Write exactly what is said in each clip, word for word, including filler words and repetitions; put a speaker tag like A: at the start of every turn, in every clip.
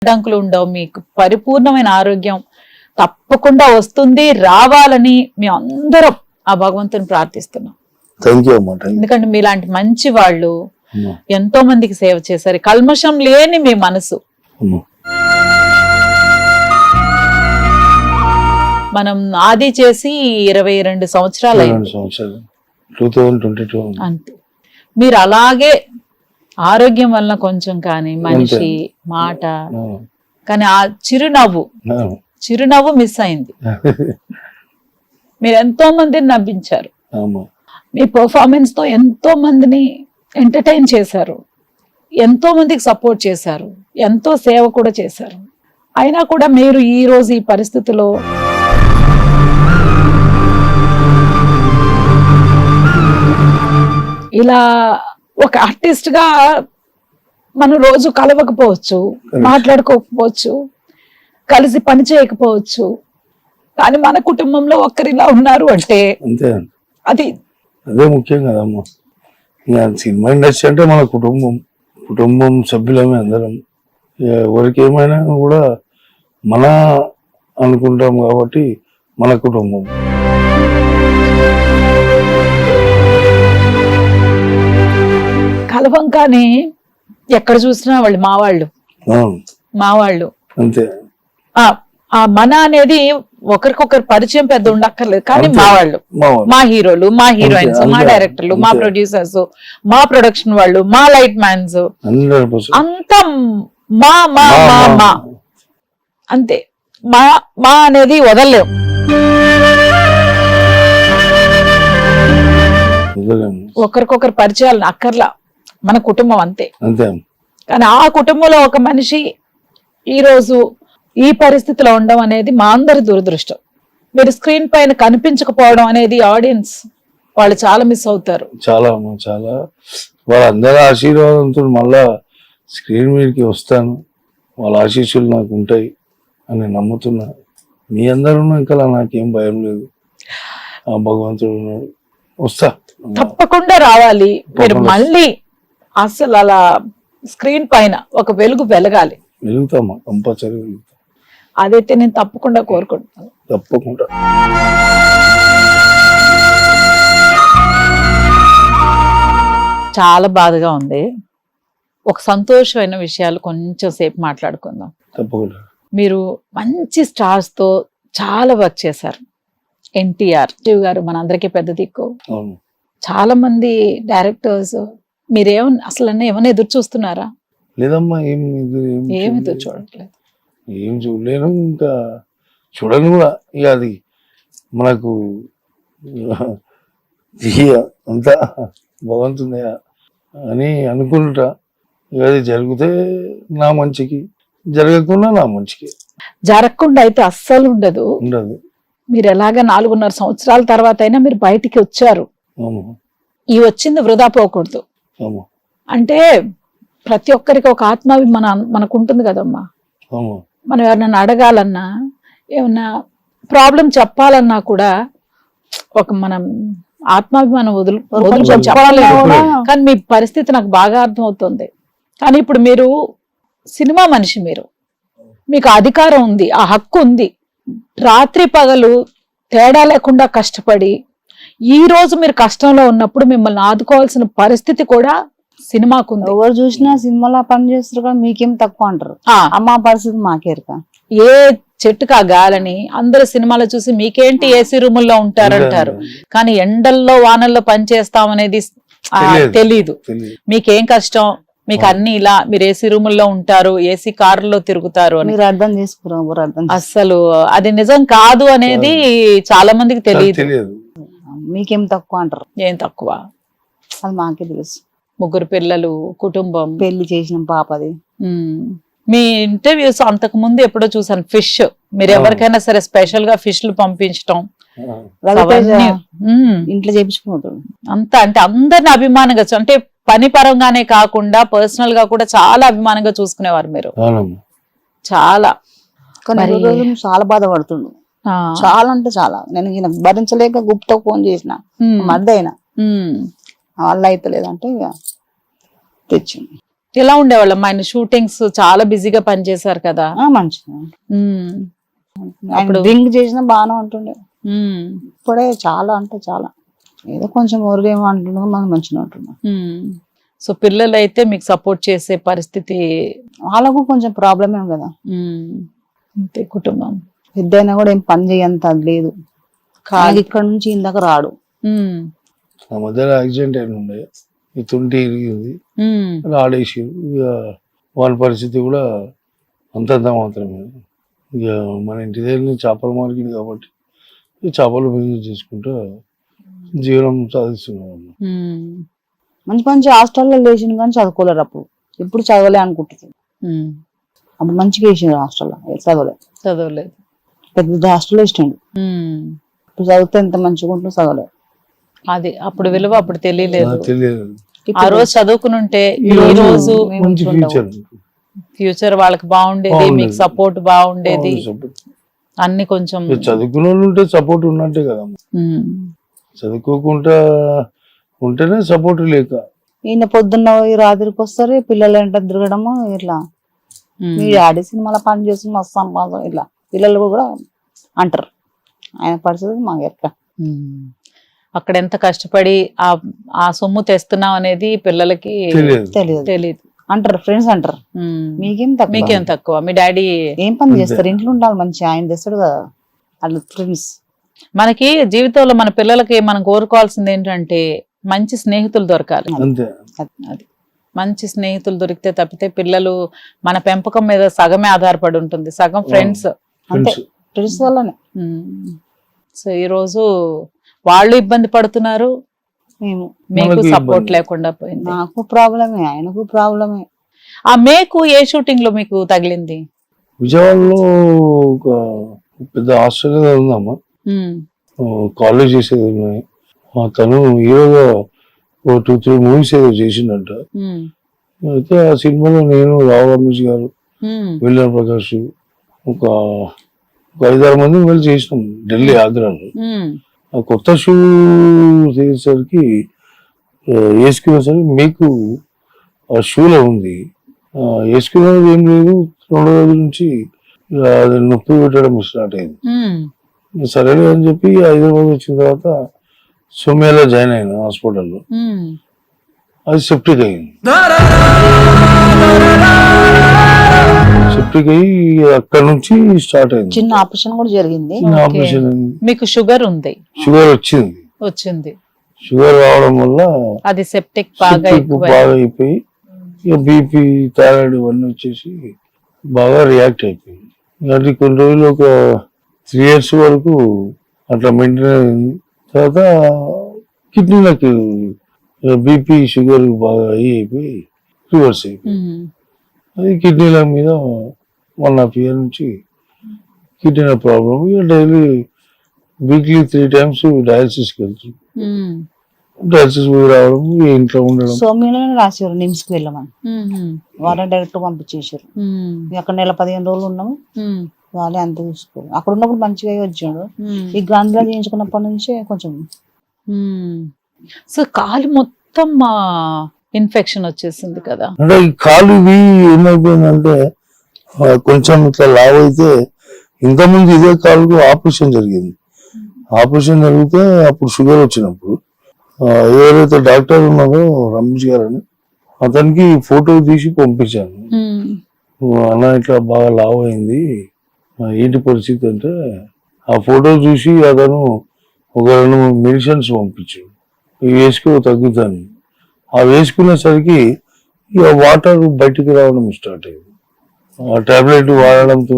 A: అడ్డంకులు ఉండవు, మీకు పరిపూర్ణమైన ఆరోగ్యం తప్పకుండా వస్తుంది, రావాలని మేము అందరం ఆ భగవంతుని ప్రార్థిస్తున్నాం. ఎందుకంటే మీలాంటి మంచి వాళ్ళు ఎంతో మందికి సేవ చేశారు, కల్మషం లేని మీ మనసు. మనం ఆది చేసి ఇరవై రెండు సంవత్సరాలు అంతే. మీరు అలాగే ఆరోగ్యం వలన కొంచెం కానీ మనిషి మాట కానీ ఆ చిరునవ్వు చిరునవ్వు మిస్ అయింది. మీరు ఎంతో మందిని నవ్వించారు, మీ పర్ఫార్మెన్స్ తో ఎంతో మందిని ఎంటర్టైన్ చేశారు, ఎంతో మందికి సపోర్ట్ చేశారు, ఎంతో సేవ కూడా చేశారు. అయినా కూడా మీరు ఈ రోజు ఈ పరిస్థితిలో ఇలా ఒక ఆర్టిస్ట్ గా మనం రోజు కలవకపోవచ్చు, మాట్లాడుకోకపోవచ్చు, కలిసి పని చేయకపోవచ్చు, కానీ మన కుటుంబంలో ఒక్కరిలా ఉన్నారు అంటే అది
B: అదే ముఖ్యం కదమ్మా. సినిమా ఇండస్ట్రీ అంటే మన కుటుంబం, కుటుంబం సభ్యులమే అందరం. ఎవరికి ఏమైనా కూడా మన అనుకుంటాం కాబట్టి మన కుటుంబం.
A: కలవం కానీ ఎక్కడ చూసినా వాళ్ళు మా వాళ్ళు మా వాళ్ళు
B: అంతే.
A: ఆ మన అనేది ఒకరికొకరు పరిచయం పెద్ద ఉండక్కర్లేదు, కానీ మా వాళ్ళు, మా హీరోలు, మా హీరోయిన్స్, మా డైరెక్టర్లు, మా ప్రొడ్యూసర్స్, మా ప్రొడక్షన్ వాళ్ళు, మా లైట్ మ్యాన్స్, అంతా మా మా మా మా అంతే. మా మా అనేది వదలలేం. ఒకరికొకరు పరిచయాలు అక్కర్లా, మన కుటుంబం అంతే. కానీ ఆ కుటుంబంలో ఒక మనిషి ఈ రోజు ఈ పరిస్థితిలో ఉండడం అనేది మా అందరి దురదృష్టం. మీరు స్క్రీన్ పైన కనిపించకపోవడం అనేది ఆడియన్స్ వాళ్ళు చాలా మిస్ అవుతారు.
B: చాలా చాలా వాళ్ళందరి ఆశీర్వాదంతో మళ్ళా స్క్రీన్ మీదకి వస్తాను, వాళ్ళ ఆశీస్సులు నాకు ఉంటాయి అని నమ్ముతున్నా. మీ అందరూ ఇంకా నాకేం భయం లేదు, ఆ భగవంతుడు ఉన్నాడు, వస్తా
A: తప్పకుండా రావాలి. మీరు మళ్ళీ అసలు అలా స్క్రీన్ పైన ఒక వెలుగు వెలగాలి.
B: వెలుగుతామా, కంపల్సరీ వెలుగుతాం.
A: అదైతే నేను తప్పకుండా కోరుకుంటున్నాను.
B: తప్పకుండా.
A: చాలా బాధగా ఉంది. ఒక సంతోషమైన విషయాలు కొంచెం సేపు మాట్లాడుకుందాం.
B: తప్పకుండా.
A: మీరు మంచి స్టార్స్ తో చాలా వర్క్ చేశారు. ఎన్టీఆర్ శివ్ గారు మనందరికీ పెద్ద దిక్కు. చాలా మంది డైరెక్టర్స్ మీరేమన్నా అసలు ఏమన్నా ఎదురు చూస్తున్నారా?
B: లేదమ్మా, ఏం
A: ఏమి ఎదురు చూడట్లేదు.
B: ఏం చూడలేను, ఇంకా చూడను కూడా. ఇక అది మనకు అంతా భగవంతునే అని అనుకుంటా. ఇక అది జరిగితే నా మంచికి, జరగకుండా నా మంచికి.
A: జరగకుండా అయితే అస్సలు ఉండదు
B: ఉండదు.
A: మీరు ఎలాగ నాలుగున్నర సంవత్సరాల తర్వాత అయినా మీరు బయటికి వచ్చారు. ఈ వచ్చింది వృధా పోకూడదు. అంటే ప్రతి ఒక్కరికి ఒక ఆత్మాభిమానం మనకు ఉంటుంది కదమ్మా. మనం ఎవరినైనా అడగాలన్నా, ఏమన్నా ప్రాబ్లం చెప్పాలన్నా కూడా ఒక మనం ఆత్మాభిమానం వదులు వదులుకొని చెప్పలేదు. కానీ మీ పరిస్థితి నాకు బాగా అర్థం అవుతుంది. కానీ ఇప్పుడు మీరు సినిమా మనిషి, మీరు మీకు అధికారం ఉంది, ఆ హక్కు ఉంది. రాత్రి పగలు తేడా లేకుండా కష్టపడి ఈ రోజు మీరు కష్టంలో ఉన్నప్పుడు మిమ్మల్ని ఆదుకోవాల్సిన పరిస్థితి కూడా సినిమాకు ఉంది.
C: ఎవరు చూసినా సినిమాలో పని చేస్తారు కదా, మీకేం తక్కువ అంటారు. అమ్మా పరిస్థితి మాకేరుక.
A: ఏ చెట్టుకా గాలని అందరు సినిమాలో చూసి మీకేంటి ఏసీ రూముల్లో ఉంటారంటారు, కానీ ఎండల్లో వానల్లో పని చేస్తామనేది తెలీదు. మీకేం కష్టం, మీకు అన్ని ఇలా మీరు ఏసీ రూముల్లో ఉంటారు, ఏసీ కారులో తిరుగుతారు అని
C: మీరు అర్థం చేసుకున్నారు.
A: అసలు అది నిజం కాదు అనేది చాలా మందికి తెలియదు.
C: మీకేం తక్కువ అంటారు.
A: ఏం తక్కువ,
C: అది మాకే తెలుసు.
A: ముగ్గురు పిల్లలు, కుటుంబం,
C: పెళ్లి చేసిన పాపది.
A: మీ ఇంటర్వ్యూస్ అంతకు ముందు ఎప్పుడో చూసాను, ఫిష్ మీరు ఎవరికైనా సరే స్పెషల్ గా ఫిష్లు పంపించడం,
C: ఇంట్లో చేపించుకుంటాడు
A: అంతా. అంటే అందరిని అభిమానంగా, అంటే పని పరంగానే కాకుండా పర్సనల్ గా కూడా చాలా అభిమానంగా చూసుకునేవారు మీరు. చాలా
C: చాలా బాధపడుతుండు, చాలా అంటే చాలా. నేను ఈయన భరించలేక గుప్తో ఫోన్ చేసిన మధ్య అయినా వాళ్ళ అయితే లేదంటే ఇక తెచ్చింది.
A: ఎలా ఉండేవాళ్ళమ్మా ఆయన? షూటింగ్స్ చాలా బిజీగా పనిచేశారు కదా.
C: ఆ, మంచిగా
A: ఉమ్,
C: ఆయన డ్రింక్ చేసినా బాగానే ఉంటుండే.
A: ఉమ్,
C: ఇప్పుడే చాలా అంటే చాలా ఏదో కొంచెం ఊరికేమో అంటున్నాం, మనం మంచిగా ఉంటున్నాం.
A: ఉమ్. సో పిల్లలు అయితే మీకు సపోర్ట్ చేసే పరిస్థితి.
C: వాళ్ళకు కొంచెం ప్రాబ్లమ్ ఏం కదా,
A: ఉమ్, అంతే కుటుంబం.
C: పెద్ద అయినా కూడా ఏం పని చేయంత అది లేదు. కాదు ఇక్కడ నుంచి ఇందాక రాడు.
A: ఉమ్,
B: ఆ మధ్యలో యాక్సిడెంట్ అయిన ఉండే, ఈ తుంటి ఇరిగింది,
A: ఉమ్,
B: ఆడేసి ఇక వాళ్ళ పరిస్థితి కూడా అంతంత మాత్రమే. ఇక మన ఇంటి దగ్గర చేపల మార్కెట్ కాబట్టి ఈ చేపలు బిజినెస్ చేసుకుంటూ జీవనం సాధిస్తున్నాం.
A: ఉమ్,
C: మంచి మంచి హాస్టల్లో లేచిన కానీ చదువుకోలేరు. అప్పుడు ఎప్పుడు చదవలే అనుకుంటున్నారు.
A: ఉమ్.
C: అప్పుడు మంచిగా వేసిండు హాస్టల్లో, చదవలే.
A: చదవలేదు.
C: పెద్ద హాస్టల్లో ఇష్టండు.
A: ఉమ్.
C: ఇప్పుడు చదివితే ఎంత మంచిగా ఉంటుందో చదవలే.
A: అది అప్పుడు విలువ అప్పుడు తెలియలేదు.
B: తెలియదు.
A: ఆ రోజు చదువుకుని ఉంటే ఈ రోజు
B: మంచి ఫ్యూచర్
A: ఫ్యూచర్ వాళ్ళకి బాగుండేది, మీకు సపోర్ట్ బాగుండేది, అన్ని కొంచెం.
B: చదువుకున్న వాళ్ళు ఉంటే సపోర్ట్ ఉన్నట్టే కదా.
A: ఉమ్,
B: చదువుకోకుండా ఉంటేనే సపోర్ట్ లేక.
C: ఈయన పొద్దున్న పోయి రాత్రికి వస్తారు, పిల్లలు వెంట తిరగడము ఇట్లా.
A: ఉమ్,
C: మీ డాడీ సినిమాలో పని చేసి మస్తు సంపాదన ఇట్లా పిల్లలు కూడా అంటారు. ఆయన పరిస్థితి మాకు ఎక్క.
A: ఉమ్. అక్కడ ఎంత కష్టపడి ఆ ఆ సొమ్ము తెస్తున్నాం అనేది పిల్లలకి
B: తెలియదు.
C: తెలియదు
A: తెలియదు.
C: అంటారు, ఫ్రెండ్స్ అంటారు.
A: ఉమ్.
C: మీకేం తక్కువ,
A: మీకేం తక్కువ, మీ డాడీ
C: ఏం పని చేస్తారు, ఇంట్లో ఉండాలి మంచి, ఆయన తెస్తాడు కదా. అట్లా ఫ్రెండ్స్.
A: మనకి జీవితంలో మన పిల్లలకి మనం కోరుకోవాల్సింది ఏంటంటే మంచి స్నేహితులు దొరకాలి.
B: అంతే.
A: అది మంచి స్నేహితులు దొరికితే తప్పితే పిల్లలు మన పెంపకం మీద సగమే ఆధారపడి ఉంటుంది, సగం ఫ్రెండ్స్.
C: అంతే, ఫ్రెండ్స్ వల్లనే.
A: సో ఈ రోజు వాళ్ళు ఇబ్బంది పడుతున్నారు,
C: మేము
A: మీకు
B: మనకి
A: సపోర్ట్
B: ఇబ్బంది.
A: లేకుండా పోయింది.
C: నాకు ప్రాబ్లమే, ఆయనకు ప్రాబ్లమే.
A: ఆ మేకు ఏ షూటింగ్ లో మీకు తగిలింది?
B: విజయవాడలో ఒక పెద్ద హాస్టల్ ఉందమ్మా,
A: ఉమ్,
B: కాలేజ్ చేసేది ఉన్నాయి. ఆ తను హీరోగా ఓ టూ త్రీ మూవీస్ ఏదో చేసిండంట.
A: ఉమ్,
B: అయితే ఆ సినిమాలో నేను, రావు రమేష్ గారు,
A: ఉమ్,
B: విల్లా ప్రకాష్, ఒక ఒక ఐదారు మంది వెళ్ళి చేసినాం ఢిల్లీ, ఆగ్రాలో.
A: ఉమ్,
B: ఆ కొత్త షూ చేసేసరికి వేసుకునేసరికి మీకు ఆ షూలో ఉంది. వేసుకునేది ఏం లేదు, రెండు రోజుల నుంచి ఇక అది నొప్పి పెట్టడం స్టార్ట్ అయింది.
A: ఉమ్,
B: సరేలే అని చెప్పి హైదరాబాద్ వచ్చిన తర్వాత సోమ్యాలో జాయిన్ అయినా హాస్పిటల్లో.
A: ఉమ్.
B: అది సెప్టిక్ అయింది. సెప్టిక్ అయ్యి అక్కడ నుంచి స్టార్ట్ అయింది.
C: చిన్న ఆపరేషన్ కూడా జరిగింది.
B: చిన్న
A: Okay.
B: ఆపరేషన్ అయింది.
A: మీకు షుగర్ ఉంది?
B: షుగర్ వచ్చింది.
A: వచ్చింది.
B: షుగర్ రావడం వల్ల
A: అది సెప్టిక్ బాగా
B: సెప్టిక్
A: ఎక్కువ.
B: బాగా అయిపోయి ఇక బీపీ, థైరాయిడ్ ఇవన్నీ వచ్చేసి బాగా రియాక్ట్ అయిపోయింది. ఇలాంటి కొన్ని రోజులు ఒక త్రీ ఇయర్స్ వరకు అట్లా మెయింటైన్ అయింది. తర్వాత కిడ్నీలకు బీపీ, షుగర్ బాగా అయ్యి అయిపోయి రివర్స్ అయిపోయింది.
A: ఉమ్,
B: అది కిడ్నీల మీద వన్ హాఫ్ ఇయర్ నుంచి కిడ్నీ ప్రాబ్లం. ఇక డైలీ వీక్లీ త్రీ టైమ్స్ డయాలసిస్కి వెళ్తుంది.
A: ఉమ్,
B: డయాలసిస్ పోయి రావడం, ఇంట్లో ఉండడం.
C: సోమ్యంలోనే రాశారు నిమ్స్ కి వెళ్ళమని,
A: ఉమ్,
C: వాళ్ళే డైరెక్ట్ పంపించేసారు.
A: ఉమ్,
C: అక్కడ నెల పదిహేను రోజులు ఉన్నాము,
A: ఉమ్,
C: వాళ్ళే అంత చూసుకోరు. అక్కడ ఉన్నప్పుడు మంచిగా వచ్చాడు.
A: ఉమ్.
C: ఈ గాంధీలో చేయించుకున్నప్పటి నుంచే కొంచెం
A: మ్మ్. సో కాలు మొత్తం ఇన్ఫెక్షన్ వచ్చేసింది కదా.
B: అంటే ఈ కాలు ఇవి ఏమైపోయిందంటే ఆ, కొంచెం ఇట్లా లావ్ అయితే, ఇంతకుముందు ఇదే కాలుకు ఆపరేషన్ జరిగింది. ఆపరేషన్ జరిగితే అప్పుడు షుగర్ వచ్చినప్పుడు ఆ, ఎవరైతే డాక్టర్ ఉన్నారో రమేష్ గారు అని, అతనికి ఫోటో తీసి పంపించాను.
A: మ్మ్.
B: అన్న ఇట్లా బాగా లావ్ అయింది, ఆ, ఏంటి పరిస్థితి అంటే, ఆ ఫోటో చూసి అతను ఒక రెండు మూడు మెడిసిన్స్ పంపించాడు, ఇవి వేసుకో తగ్గుతాను. ఆ వేసుకునేసరికి ఇక వాటర్ బయటికి రావడం స్టార్ట్ అయింది. ఆ టాబ్లెట్ వాడడంతో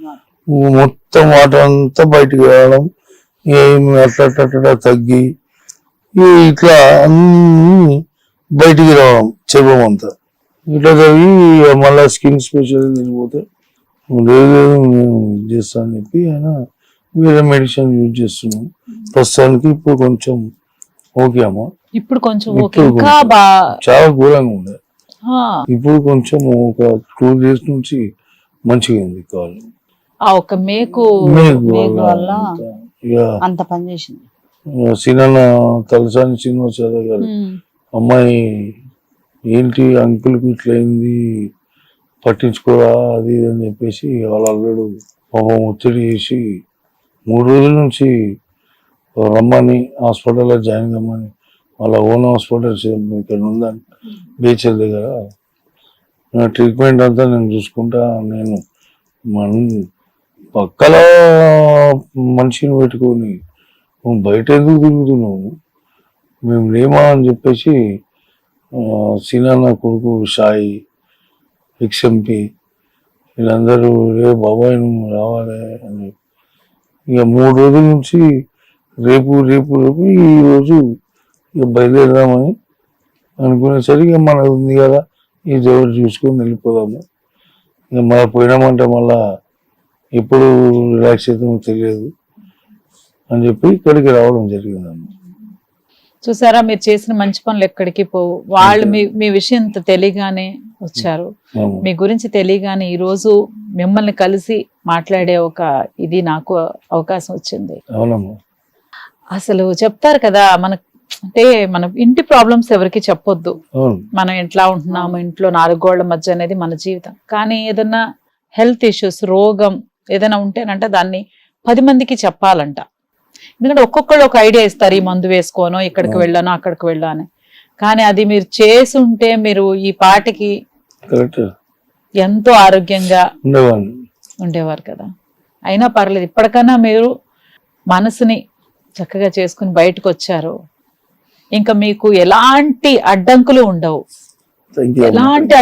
B: మొత్తం వాటర్ అంతా బయటికి రావడం, ఏమి అట్లా అట్లా తగ్గి ఇక ఇట్లా అన్ని బయటికి రావడం, చెవం అంతా ఇట్లా జరిగి మళ్ళీ స్కిన్ స్పెషల్ పోతే లేదు లేదు నేను చేస్తాను అని చెప్పి ఆయన వేరే మెడిసిన్ యూజ్ చేస్తున్నాం. ప్రస్తుతానికి ఇప్పుడు కొంచెం ఓకే అమ్మా.
A: ఇప్పుడు కొంచెం ఓకే,
B: ఇప్పుడు
A: ఇంకా
B: కొంచెం
A: బా
B: చాలా ఘోరంగా ఉంది.
A: ఆ,
B: ఇప్పుడు కొంచెం ఒక టూ డేస్ నుంచి మంచిగా ఉంది కాలు.
A: ఆ ఒక మేకు
B: మేకు
C: మేకు
B: వల్ల
C: వల్ల
B: అంతా. ఇక
C: అంత పని చేసింది.
B: సినిమా తలసాని శ్రీనివాస్ యాదవ్ గారు
A: మ్మ్.
B: అమ్మాయి ఏంటి అంకుల్కి ఇట్లయింది పట్టించుకోరా అది ఇది అని చెప్పేసి వాళ్ళ అల్లుడు పాపం ఒత్తిడి చేసి మూడు రోజుల నుంచి రమ్మని హాస్పిటల్లో జాయిన్ కమ్మని వాళ్ళ ఓన్ హాస్పిటల్ ఇక్కడ ఉందని బీచ్ దగ్గర నా ట్రీట్మెంట్ అంతా నేను చూసుకుంటా నేను మన పక్కలో మనిషిని పెట్టుకొని నువ్వు బయట ఎందుకు తిరుగుతున్నావు మేము లేమా అని చెప్పేసి సీనా కొడుకు సాయి ఎక్స్ఎంపీ వీళ్ళందరూ రే బాబాయ్ నువ్వు రావాలి అని ఇక మూడు రోజుల నుంచి రేపు రేపు రేపు ఈరోజు ఇక బయలుదేరదామని అనుకునేసరికి మనకు ఉంది కదా ఈ దేవుడు చూసుకొని వెళ్ళిపోదాము ఇక మళ్ళీ పోయినామంటే మళ్ళా ఎప్పుడు రిలాక్స్ అవుతామో తెలియదు అని చెప్పి ఇక్కడికి రావడం జరిగిందమ్మ.
A: చూసారా మీరు చేసిన మంచి పనులు ఎక్కడికి పోవు. వాళ్ళు మీ మీ విషయం తెలియగానే వచ్చారు, మీ గురించి తెలియగానే ఈ రోజు మిమ్మల్ని కలిసి మాట్లాడే ఒక ఇది నాకు అవకాశం వచ్చింది.
B: అవునమ్మా.
A: అసలు చెప్తారు కదా మన అంటే మన ఇంటి ప్రాబ్లమ్స్ ఎవరికి చెప్పొద్దు,
B: అవును
A: మనం ఎట్లా ఉంటున్నాము ఇంట్లో నాలుగు గోళ్ల మధ్య అనేది మన జీవితం. కానీ ఏదన్నా హెల్త్ ఇష్యూస్ రోగం ఏదైనా ఉంటేనంట దాన్ని పది మందికి చెప్పాలంట. ఎందుకంటే ఒక్కొక్కళ్ళు ఒక ఐడియా ఇస్తారు, ఈ మందు వేసుకోనో ఇక్కడికి వెళ్ళానో అక్కడికి వెళ్ళాను. కానీ అది మీరు చేసి ఉంటే మీరు ఈ పాటికి
B: కరెక్ట్
A: ఎంతో ఆరోగ్యంగా
B: ఉండేవాడిని
A: ఉండేవారు కదా. అయినా పర్లేదు, ఇప్పటికైనా మీరు మనసుని చక్కగా చేసుకుని బయటకు వచ్చారు. ఇంకా మీకు ఎలాంటి అడ్డంకులు ఉండవు,
B: థ్యాంక్ యూ.
A: ఎలాంటి